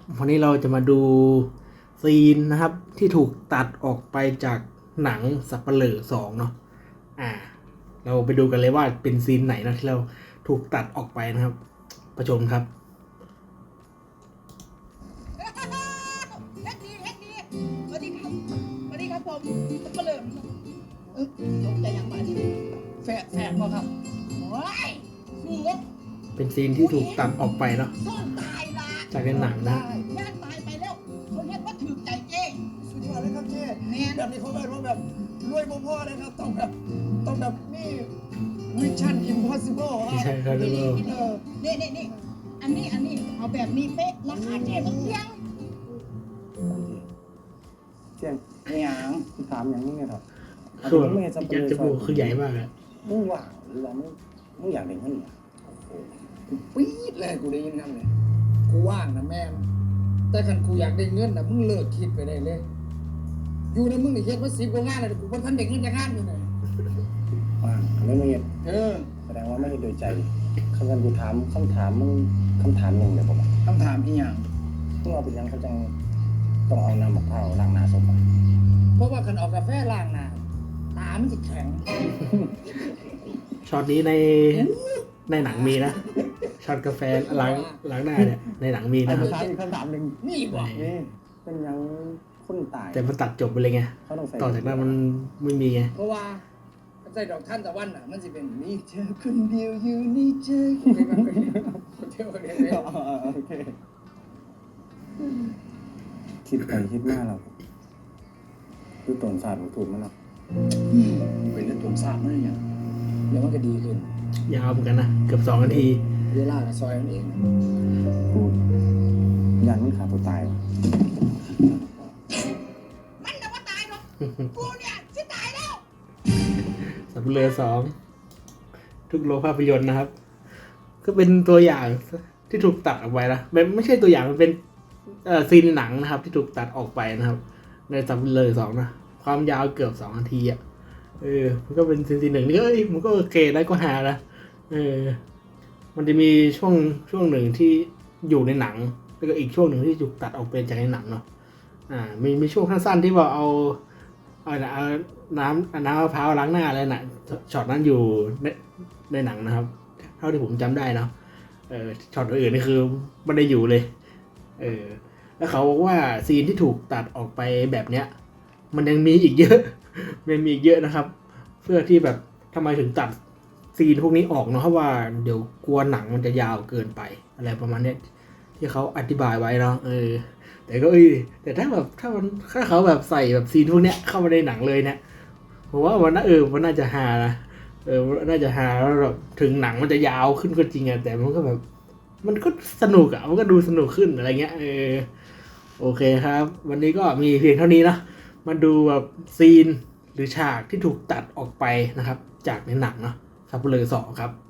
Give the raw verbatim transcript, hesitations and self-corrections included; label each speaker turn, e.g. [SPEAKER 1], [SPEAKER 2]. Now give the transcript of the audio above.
[SPEAKER 1] วันนี้เราจะมาดูซีนนะครับที่ถูกตัดออกไปจากหนังสัปเหร่อสองเนาะอ่าเราไปดูกันเลยว่าเป็นซีนไหนนะที่เราถูกตัดออกไปนะครับประชมครับ
[SPEAKER 2] เฮ็ดดีเฮ็ดดีสวัสดีครับสวัสดีครับผมสัปเหร่อเออตกใจยังบ้านี่แฝดแฝดบ่ครับโอ้ยนี่เฮ็ด
[SPEAKER 1] เป็นซีนที่ถูกตัดออกไปเนาะ
[SPEAKER 2] ซ่อนตายละ
[SPEAKER 1] จากในหนังนะ
[SPEAKER 2] ย่านตายไปแล้วเขาเฮ็ดว่าถือใจเจ้
[SPEAKER 3] สุดยอดเลยครับเจ๊
[SPEAKER 2] แม่น
[SPEAKER 3] แบบนี้เขาแบบว่าแบบรวยบ่พอเลยครับต้องแบบต้องแบบนี่มิชชั่นอิมพอสิเบิลค
[SPEAKER 1] ใช่
[SPEAKER 3] รับ
[SPEAKER 1] ครับ
[SPEAKER 2] นี่
[SPEAKER 1] เออ
[SPEAKER 2] นี่นี่นี่อันนี้อันนี้เอาแบบนี้เป๊ะราคาเจ๊มันเพียง
[SPEAKER 3] เจ๊ไม่หยังถามอย่างนี้ไงครับ
[SPEAKER 1] ส่วนยัดจมูกคือใหญ่มากเลย
[SPEAKER 3] มึงว่างหรือว่ามึงมึงอยากเล่นเขาเนี่ยโอ้โหปี๊ดเลยกูได้ยินคำเลยกูว่างนะแม่งแต่คันกูอยากได้เงินนะมึงเลิกคิดไปได้เลยอยู่ในมึงนี่เฮ็ดมาสิบกว่างานเลยกูบ่ทันได้เงินจากงานอยู่ไหนว่างไม่ไม่เห็นเออแสดงว่าไม่ได้โดยใจคำนั้นกูถามคำถามมึงคำถามหนึ่งเลยผมคำถามอีหยังมึงเอาเป็นยังเขาจังต้องเอาน้ำมะพร้าวล้างหน้าศพอ่ะเพราะว่าคันเอากาแฟล้างหน้าตามันจะแข็ง
[SPEAKER 1] ช็อตนี้ในในหนังมีนะช็อตกาแฟล้างล้างหน้าเนี่ยในหนังมีนะครับ
[SPEAKER 3] คำถามอีกคำถามหนึ่งนี่บ่นี่เป็นยังคนตาย
[SPEAKER 1] แต่มันตัดจบไปเลยไงต่อจากนั้นมันไม่มีไง
[SPEAKER 3] เพราะว่าใจดอกท่านตะวันอ่ะมันจะเป็นนี่เธอคนเดียวอยู่นี่เธอเที่ยวเรียนเลยโอเคคิดไปคิดมาเราคือตนศาสตร์ถูกมั้ยเนาะเป็นเรื่องตนศาสตร์มั้ยเนี่ยเดี๋ยวมันก็ดีขึ้น
[SPEAKER 1] ยาวเหมือนกันนะเกือบสองนาที
[SPEAKER 3] เวลาซอยมันเองกูยันมันขาดตัวตาย
[SPEAKER 2] มันจะว่าตายหรอกกูเนี่ยสิตายแล้ว
[SPEAKER 1] สัปเหร่อสองทุกโรงภาพยนตร์นะครับก็เป็นตัวอย่างที่ถูกตัดออกไปนะไม่ไม่ใช่ตัวอย่างมันเป็นเอ่อซีนหนังนะครับที่ถูกตัดออกไปนะครับในสัปเหร่อสองนะความยาวเกือบสองนาทีอ่ะเออมันก็เป็นซีนซีนหนึ่งนี่ก็เอ้ยมันก็โอเคได้ก็หานะเออมันจะมีช่วงช่วงหนึ่งที่อยู่ในหนังแล้วก็อีกช่วงหนึ่งที่ถูกตัดออกเป็นจากในหนังเนาะอ่ามีมีช่วงสั้นๆที่ว่าเอาเอาเอาน้ำน้ำมะพร้าวล้างหน้าอะไรน่ะช็อตนั้นอยู่ในในหนังนะครับเท่าที่ผมจำได้เนาะเออช็อตอื่นนี่คือไม่ได้อยู่เลยเออแล้วเขาบอกว่าซีนที่ถูกตัดออกไปแบบเนี้ยมันยังมีอีกเยอะมันมีอีกเยอะนะครับ เพื่อที่แบบทำไมถึงตัดซีนพวกนี้ออกเนาะเพราะว่าเดี๋ยวกลัวหนังมันจะยาวเกินไปอะไรประมาณเนี้ยที่เขาอธิบายไว้เนาะเออแต่ก็เอ้ยแต่ถ้าแบบถ้ามันถ้าเขาแบบใส่แบบซีนพวกเนี้ยเข้ามาในหนังเลยเนี่ยผมว่ามันน่าเออมันน่าจะฮานะเออน่าจะฮาแล้วแบบถึงหนังมันจะยาวขึ้นก็จริงอะแต่มันก็แบบมันก็สนุกอะมันก็ดูสนุกขึ้นอะไรเงี้ยเออโอเคครับวันนี้ก็มีเพียงเท่านี้นะมาดูแบบซีนหรือฉากที่ถูกตัดออกไปนะครับจากในหนังเนาะสัปเหร่อสองครับ